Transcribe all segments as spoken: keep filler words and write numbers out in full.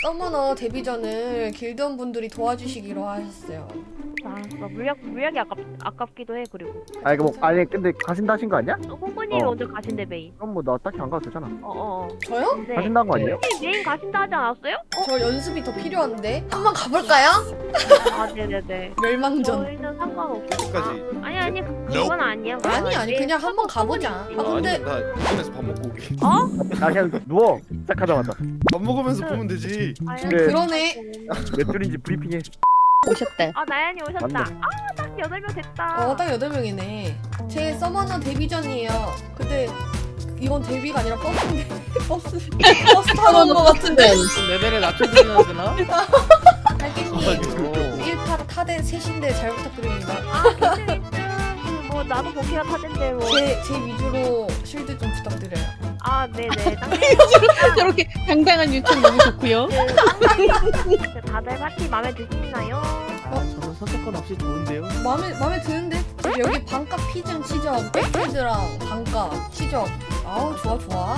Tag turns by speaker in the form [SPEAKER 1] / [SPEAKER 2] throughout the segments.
[SPEAKER 1] 서머너 데뷔전을 길드원 분들이 도와주시기로 하셨어요.
[SPEAKER 2] 알았어. 물약 물약이 아깝 아깝기도 해. 그리고
[SPEAKER 3] 아니 뭐 아니 근데 가신다 하신 거 아니야?
[SPEAKER 2] 호구님이
[SPEAKER 3] 어.
[SPEAKER 2] 먼저 가신대 메인.
[SPEAKER 3] 그럼 뭐 나 딱히 안 가도 되잖아.
[SPEAKER 2] 어어.
[SPEAKER 1] 저요?
[SPEAKER 2] 네.
[SPEAKER 3] 가신다는 거 아니에요?
[SPEAKER 2] 메인 가신다 하지 않았어요?
[SPEAKER 1] 저 연습이 더 필요한데 한번 가볼까요?
[SPEAKER 2] 아 네네네.
[SPEAKER 1] 멸망전.
[SPEAKER 2] 저희는 상관없어.
[SPEAKER 4] 어디까지?
[SPEAKER 2] 아, 아니 아니 그- 그건 아니야. 그건
[SPEAKER 1] 아니 아니
[SPEAKER 2] 메인
[SPEAKER 1] 그냥 한번
[SPEAKER 2] 서버
[SPEAKER 1] 가보자.
[SPEAKER 2] 서버니까.
[SPEAKER 1] 아 근데
[SPEAKER 4] 아니 나 인터넷에서 밥 먹고 오게.
[SPEAKER 2] 어?
[SPEAKER 3] 나 그냥 누워 시작하자마자
[SPEAKER 4] 밥 먹으면서 보면 되지.
[SPEAKER 2] 아니,
[SPEAKER 3] 근데-
[SPEAKER 1] 그러네.
[SPEAKER 3] 몇 줄인지 브리핑해.
[SPEAKER 5] 오셨대.
[SPEAKER 2] 아 나연이 오셨다.
[SPEAKER 3] 맞네.
[SPEAKER 2] 아딱 여덟 명 됐다.
[SPEAKER 1] 어 딱 여덟 명이네. 제 서머너 데뷔전이에요. 근데 이건 데뷔가 아니라 버스인데 버스 버스 타러 온 거 같은데.
[SPEAKER 6] 레벨을 낮춰드려야 되나?
[SPEAKER 1] 할기님 일 파 타대 셋인데 잘 부탁드립니다.
[SPEAKER 2] 아 근데 뭐 나도 복귀가 타던데 뭐.
[SPEAKER 1] 제, 제 위주로 실드 좀 부탁드려요.
[SPEAKER 2] 아 네네. 딱
[SPEAKER 5] 저렇게 당당한 요청 너무 좋고요.
[SPEAKER 2] 그 다들 파티 마음에 드시나요?
[SPEAKER 6] 아, 저는 선택권 없이 좋은데요?
[SPEAKER 1] 마음에 마음에 드는데? 여기 반값 피증 치적, 백헤드랑 반값 치적. 아우 좋아 좋아.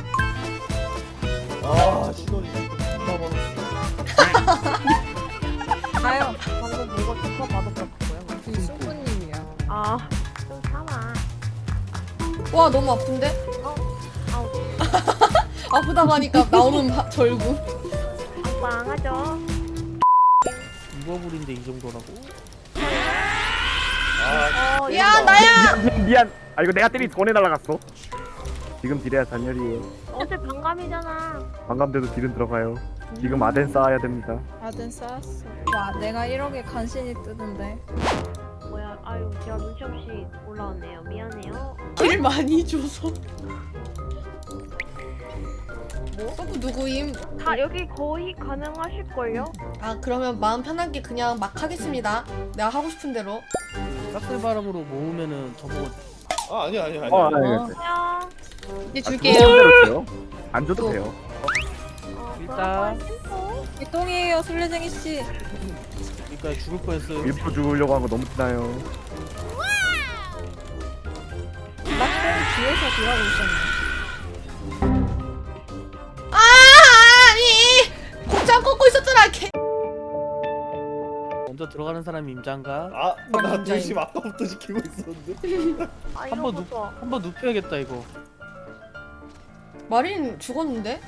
[SPEAKER 4] 아 신원이 존나 많았어.
[SPEAKER 7] 가요.
[SPEAKER 2] 방금 뭐가 축하 받았다고요?
[SPEAKER 7] 이 수부님이야.
[SPEAKER 2] 아좀 참아.
[SPEAKER 1] 와 너무 아픈데?
[SPEAKER 2] 아우
[SPEAKER 1] 아프다고 하니까 나오는 바, 절구.
[SPEAKER 2] 빵하죠.
[SPEAKER 6] 이버블인데 이 정도라고?
[SPEAKER 4] 아
[SPEAKER 2] 어,
[SPEAKER 1] 야 나야.
[SPEAKER 3] 미안 미안 미안. 아 이거 내가 때리 전에 날아갔어. 지금 딜해야 잔열이에요.
[SPEAKER 2] 어제 반감이잖아.
[SPEAKER 3] 반감돼도 딜은 들어가요. 지금 아덴 쌓아야 됩니다.
[SPEAKER 7] 아든 쌓았어. 와, 내가 일억에 간신히 뜨는데.
[SPEAKER 2] 뭐야? 아유 제가 눈치 없이 올라왔네요. 미안해요.
[SPEAKER 1] 일 많이 줘서. 뭐? 서브 누구임?
[SPEAKER 2] 다 여기 거의 가능하실걸요?
[SPEAKER 1] 아 그러면 마음 편하게 그냥 막 하겠습니다. 내가 하고 싶은 대로.
[SPEAKER 6] 싹쓸 바람으로 모으면은 저보고
[SPEAKER 4] 아 아니야 아니야 아니야.
[SPEAKER 3] 어, 아니,
[SPEAKER 5] 어.
[SPEAKER 3] 아니.
[SPEAKER 2] 안녕.
[SPEAKER 5] 이제
[SPEAKER 3] 아,
[SPEAKER 5] 줄게요.
[SPEAKER 3] 대로 줘요. 안 줘도 돼요.
[SPEAKER 2] 어,
[SPEAKER 6] 일단.
[SPEAKER 2] 그럼
[SPEAKER 7] 개똥이에요, 술래쟁이 씨.
[SPEAKER 6] 그러니까 죽을 뻔했어요.
[SPEAKER 3] 일부러 죽으려고 한 거 너무 티나요.
[SPEAKER 7] 낙동 뒤에서 뒤하고 있었네.
[SPEAKER 1] 아 아니 곱창 꽂고 있었잖아. 개.
[SPEAKER 6] 먼저 들어가는 사람이 임장가?
[SPEAKER 4] 아나
[SPEAKER 1] 진짜
[SPEAKER 4] 조심 아까부터 지키고 있었는데.
[SPEAKER 2] 아
[SPEAKER 6] 한번 눕,
[SPEAKER 2] 이러고서
[SPEAKER 6] 한번 눕혀야겠다 이거.
[SPEAKER 1] 마린 죽었는데?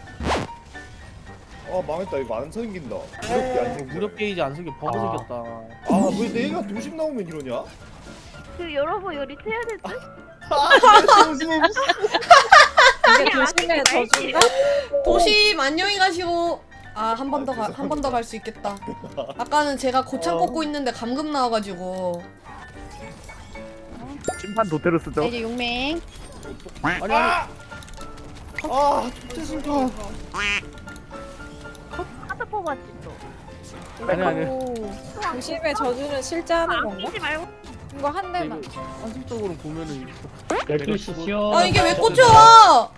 [SPEAKER 4] 아 망했다 이거 안 생긴다. 무력이 안 생겨.
[SPEAKER 6] 무력 게이지 안 생겨 버그
[SPEAKER 3] 아.
[SPEAKER 6] 생겼다.
[SPEAKER 4] 아왜 내가 도심 나오면 이러냐?
[SPEAKER 2] 그 여러분 요리 해야 될 듯?
[SPEAKER 4] 아 조심.
[SPEAKER 7] 이게 도심의 저주인가?
[SPEAKER 1] 도심 안녕히 가시고. 아 한 번 더 한 번 더 갈 수 있겠다. 아까는 제가 고창
[SPEAKER 4] 어.
[SPEAKER 1] 꽂고 있는데 감금 나와가지고.
[SPEAKER 3] 심판 도태로 쓰죠.
[SPEAKER 5] 이제 용맹.
[SPEAKER 6] 아니 아니
[SPEAKER 4] 아 좋대 순간.
[SPEAKER 2] 카드 뽑았지 또.
[SPEAKER 6] 아니 아니.
[SPEAKER 7] 오, 도심의 저주는 실제 하는 건가?
[SPEAKER 2] 아끼지 말고.
[SPEAKER 7] 이거 한 대만.
[SPEAKER 6] 이거 상식적으로 보면은
[SPEAKER 8] 열두시죠.
[SPEAKER 1] 아 이게 왜 꽂혀?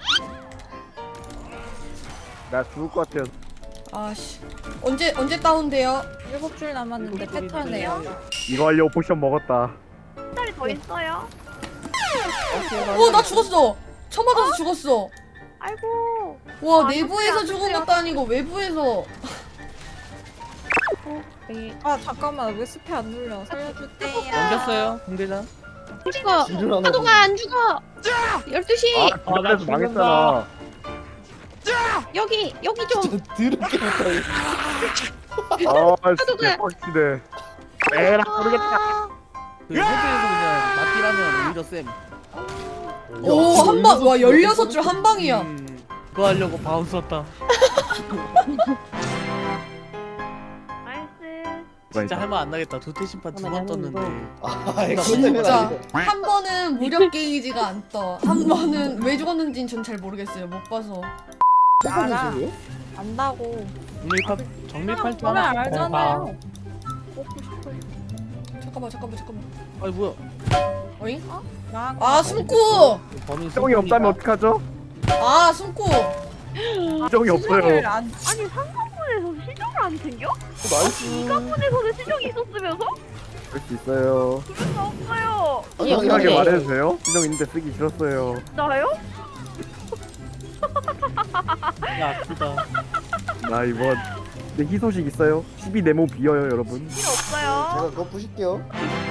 [SPEAKER 3] 나 죽을 것 같아요.
[SPEAKER 1] 아씨 언제 언제 다운돼요?
[SPEAKER 7] 일곱 줄 남았는데
[SPEAKER 6] 일곱 줄인데.
[SPEAKER 7] 패턴이에요.
[SPEAKER 3] 이거 하려고 포션 먹었다.
[SPEAKER 2] 한 달이 더 있어요.
[SPEAKER 1] 어 나 죽었어. 처 맞아서 죽었어.
[SPEAKER 2] 아이고.
[SPEAKER 1] 와
[SPEAKER 2] 아,
[SPEAKER 1] 내부에서
[SPEAKER 2] 안
[SPEAKER 1] 죽은
[SPEAKER 2] 돼요.
[SPEAKER 1] 것도 아니고 외부에서.
[SPEAKER 7] 아, 잠깐만. 왜 스페 안 눌려? 살려주세요.
[SPEAKER 6] 넘겼어요 공대장.
[SPEAKER 5] 안 죽어.
[SPEAKER 4] 딜을 안
[SPEAKER 5] 파도가 안 죽어. 열두 시.
[SPEAKER 3] 아 그래서
[SPEAKER 8] 나
[SPEAKER 3] 망했잖아.
[SPEAKER 5] 여기 여기 좀.
[SPEAKER 4] 진짜 더럽게 못하네.
[SPEAKER 3] 아
[SPEAKER 5] 파도가-
[SPEAKER 3] 진짜 빡치네. 에라 모르겠다.
[SPEAKER 6] 그 헤드에서 그냥 맞기라면 오히려 쌤.
[SPEAKER 1] 오 한 방. 와 열여섯 줄 한 방이야.
[SPEAKER 6] 음, 그거 하려고 바운 썼다.
[SPEAKER 2] 나이스.
[SPEAKER 6] 진짜 할 말 안 나겠다. 도태 심판 두 번 떴는데.
[SPEAKER 4] 아 이거 때문에
[SPEAKER 1] 진짜
[SPEAKER 4] 아니고.
[SPEAKER 1] 한 번은 무력 게이지가 안 떠. 한 번은 왜 죽었는지는 전 잘 모르겠어요. 못 봐서.
[SPEAKER 7] 알아. 안다고.
[SPEAKER 6] 정밀팔 정밀팔 줄
[SPEAKER 7] 보면
[SPEAKER 6] 하나.
[SPEAKER 7] 알잖아요.
[SPEAKER 1] 잠깐만 잠깐만 잠깐만.
[SPEAKER 6] 아니 뭐야?
[SPEAKER 1] 어잉?
[SPEAKER 7] 나
[SPEAKER 1] 아 숨고.
[SPEAKER 6] 범인
[SPEAKER 3] 시정이 없다면 어떡하죠?
[SPEAKER 1] 아 숨고.
[SPEAKER 3] 시정이 없어요.
[SPEAKER 7] 수정을 안
[SPEAKER 2] 아니 상관문에서 시정을 안 챙겨?
[SPEAKER 4] 나이스.
[SPEAKER 2] 상관문에서는 시정이 있었으면서?
[SPEAKER 3] 그럴 수 있어요.
[SPEAKER 2] 그럴 수 없어요.
[SPEAKER 3] 솔직하게
[SPEAKER 5] 네.
[SPEAKER 3] 말해주세요. 시정 있는데 쓰기 싫었어요.
[SPEAKER 2] 나요?
[SPEAKER 6] 야 아프다.
[SPEAKER 3] 나 이번 네, 희소식 있어요? 십이 네모 비어요 여러분.
[SPEAKER 2] 필요 없어요.
[SPEAKER 4] 제가 그거 부실게요.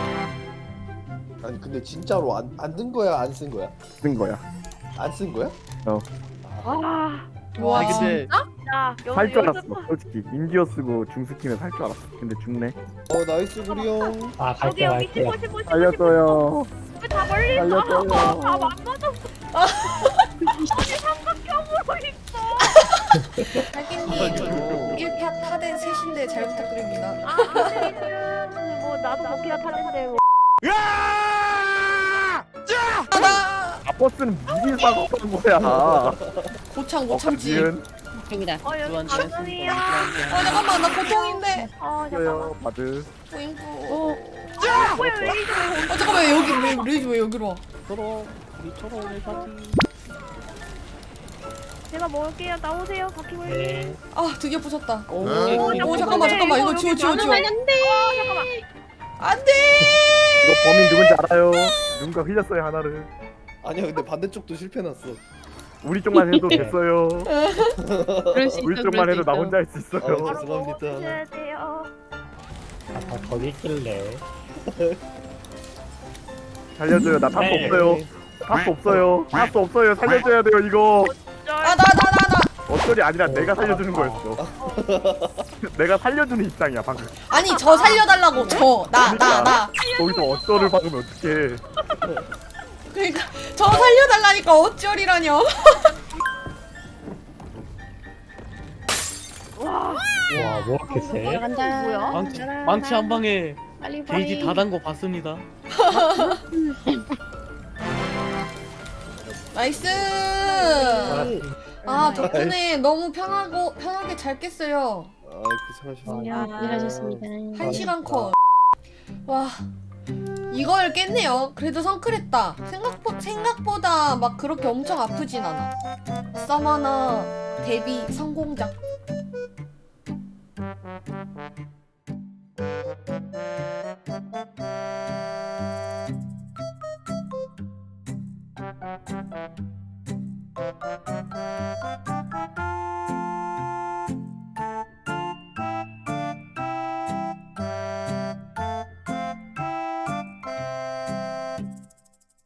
[SPEAKER 4] 아니 근데 진짜로 안 안 든 거야 안 쓴 거야?
[SPEAKER 3] 쓴 거야.
[SPEAKER 4] 안 쓴 거야?
[SPEAKER 2] 와,
[SPEAKER 1] 와,
[SPEAKER 6] 아니 근데
[SPEAKER 2] 자, 여,
[SPEAKER 3] 살 줄 알았어.
[SPEAKER 2] 연습-
[SPEAKER 3] 솔직히 인디어 쓰고 중스키면 살 줄 알았어. 근데 죽네.
[SPEAKER 4] 어 나이스 구리형.
[SPEAKER 8] 아
[SPEAKER 2] 여기
[SPEAKER 8] 갈게
[SPEAKER 2] 여기
[SPEAKER 8] 갈게.
[SPEAKER 2] 십오, 십오, 십오,
[SPEAKER 3] 살렸어요.
[SPEAKER 2] 다 멀리 있어.
[SPEAKER 3] 살렸어요.
[SPEAKER 2] 다안 맞았어. 아니 삼각형으로 있어.
[SPEAKER 1] 하긴님 일 파 타된 셋인데 잘 부탁드립니다.
[SPEAKER 2] 아, 아니면 뭐 나도 먹기가 타는데 뭐.
[SPEAKER 1] 아, 나
[SPEAKER 3] 아 버스는 미리 사고 간 거야.
[SPEAKER 1] 고창 못 참지.
[SPEAKER 3] 지은
[SPEAKER 5] 입니다.
[SPEAKER 2] 어 여기
[SPEAKER 6] 두한테
[SPEAKER 2] 방송이야.
[SPEAKER 1] 아 잠깐만 나 고통인데.
[SPEAKER 2] 어 잠깐만.
[SPEAKER 3] 있어요. 바드.
[SPEAKER 1] 뿌잉뿌.
[SPEAKER 2] 뭐야 왜 이래?
[SPEAKER 1] 아 잠깐만 왜 여기 왜 레이지 왜 여기로 와?
[SPEAKER 6] 서로 우리 서로 일 파티.
[SPEAKER 2] 제가 먹을게요. 나오세요, 바퀴벌레.
[SPEAKER 8] 네.
[SPEAKER 1] 아 드디어 부쉈다.
[SPEAKER 6] 오,
[SPEAKER 1] 오 잠깐만 잠깐만 이거 지워 지워 지워.
[SPEAKER 5] 안 돼.
[SPEAKER 1] 안돼.
[SPEAKER 3] 이거 범인 누군지 알아요? 누군가 흘렸어요 하나를.
[SPEAKER 4] 아니야 근데 반대쪽도 실패 났어.
[SPEAKER 3] 우리 쪽만 해도 됐어요.
[SPEAKER 5] 그럴 수 있어.
[SPEAKER 3] 우리 쪽만 해도 나 혼자 할 수
[SPEAKER 4] 어,
[SPEAKER 3] 있어요.
[SPEAKER 2] 바로
[SPEAKER 4] 죄송합니다.
[SPEAKER 2] 먹어주셔야 돼요.
[SPEAKER 8] 아까 거기 있길래.
[SPEAKER 3] 살려줘요. 나 타수
[SPEAKER 8] 네.
[SPEAKER 3] 없어요. 타수 없어요. 타수 없어요. 살려줘야 돼요 이거.
[SPEAKER 1] 아 나 나 나 나.
[SPEAKER 3] 어쩔이 아니라 내가 살려주는 거였어. 내가 살려주는 입장이야 방금.
[SPEAKER 1] 아니 저 살려달라고 저 나 나 나.
[SPEAKER 3] 거기서 어쩔을 박으면 어떡해.
[SPEAKER 1] 그러니까 저 살려달라니까 어쩔이라뇨.
[SPEAKER 2] 와,
[SPEAKER 8] 와, 뭐 이렇게 세?
[SPEAKER 5] 들어간다.
[SPEAKER 2] 뭐야?
[SPEAKER 6] 망치 망치 한 방에
[SPEAKER 5] 빨리 빨리.
[SPEAKER 6] 게이지 다 단 거 봤습니다.
[SPEAKER 1] 나이스. 아 덕분에 너무 편하고 편하게 잘 깼어요.
[SPEAKER 4] 아 고생하셨습니다.
[SPEAKER 5] 야, 일하셨습니다.
[SPEAKER 1] 한 시간 컷. 와 이걸 깼네요. 그래도 성클했다. 생각보, 생각보다 막 그렇게 엄청 아프진 않아. 서머너 데뷔 성공작.